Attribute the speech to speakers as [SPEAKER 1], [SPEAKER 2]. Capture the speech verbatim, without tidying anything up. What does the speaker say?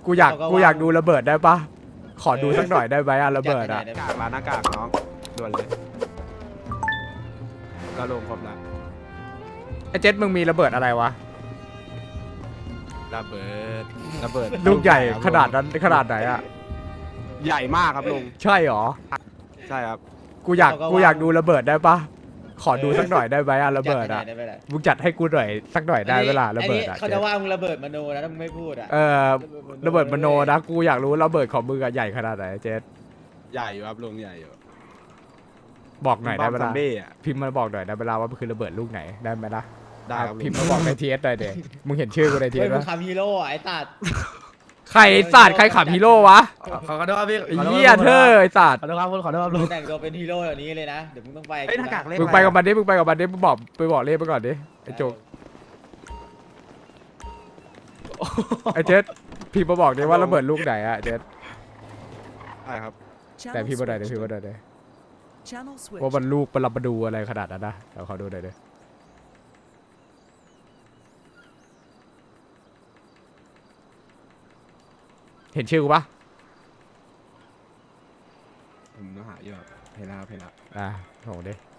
[SPEAKER 1] กูอยากกูอยากดูระเบิดได้ปะขอดูสักหน่อยได้ไหมอะระเบิดอะ
[SPEAKER 2] กากร้านหน้ากากน้องด่วนเลยก็ลงครบแล้ว
[SPEAKER 1] ไอ้เจ็ดมึงมีระเบิดอะไรวะ
[SPEAKER 2] ระเบิดระเบิด
[SPEAKER 1] ลูกใหญ่ขนาดนั้นขนาดไหนอะ
[SPEAKER 2] ใหญ่มากครับลุง
[SPEAKER 1] ใช่หรอ
[SPEAKER 2] ใช่ครับ
[SPEAKER 1] กูอยากกูอยากดูระเบิดได้ปะขอดูสักหน่อยได้ไหมอะระเบิดอะมึงจัดให้กูหน่อยสักหน่อยได้เวลาระเบิดอะ
[SPEAKER 3] เขาจะว่ามึงระเบิดมโนนะถ้ามึงไม่พูดอ่ะ
[SPEAKER 1] เออระเบิดมโนนะกูอยากรู้ระเบิดของมึงอะใหญ่ขนาดไหนเจ็ด
[SPEAKER 2] ใหญ่อยู่ครับลุงใหญ่อยู่
[SPEAKER 1] บอกหน่อยได้เว
[SPEAKER 2] ซอ
[SPEAKER 1] ลาม
[SPEAKER 2] บี้อ่ะ
[SPEAKER 1] พิมพ์มาบอกหน่อยได้เวลาว่ามันคือระเบิดลูกไหนได้ไหมล่ะ
[SPEAKER 2] ได้ครับลุ
[SPEAKER 1] พิม
[SPEAKER 2] ง
[SPEAKER 1] พ์มาบอกในทีเอสหน่อยเด็มึงเห็นชื่อกูในทีเอ
[SPEAKER 3] เฮ้ย
[SPEAKER 1] ส
[SPEAKER 3] มึ
[SPEAKER 1] ปะ
[SPEAKER 3] งคำฮีโร่อะไอ้ตัด
[SPEAKER 1] ใครไอ้ศาสตร์ใครขับฮีโร่วะ
[SPEAKER 4] ขอโทษครับพี่
[SPEAKER 1] ไอ้เหี้ยเธอไอ้ศาสตร์
[SPEAKER 4] ขอโทษครับขอโทษครับลุง
[SPEAKER 3] แต่งตัวเป็นฮีโร่แบบนี้เลยนะเดี๋ยวมึงต้องไป
[SPEAKER 2] เอ้ยหน้ากากเล็ก
[SPEAKER 1] มึงไปกับมันดิมึงไปกับมันดิมึงบอกไปบอกเลขไปก่อนดิไอ้โจกไอ้เจ็ดพิมพ์มาบอกดิว่าระเบิดลูกไหนอะเจ็ด
[SPEAKER 2] ใช่ครับ
[SPEAKER 1] แต่พิมพ์มาหน่อยดิพิมพ์มาหน่อยดิ
[SPEAKER 5] Channel switch.
[SPEAKER 1] ว่ามันลูกปรับมาดูอะไรขนาดนั้นนะเดี๋ยวขอดูหน่อยดิเห็นชื่อกูปะ
[SPEAKER 2] ผมต้องหาอยู่ครับเห็นแล้วครับเห็นแล้ว
[SPEAKER 1] อ่ะโหดิ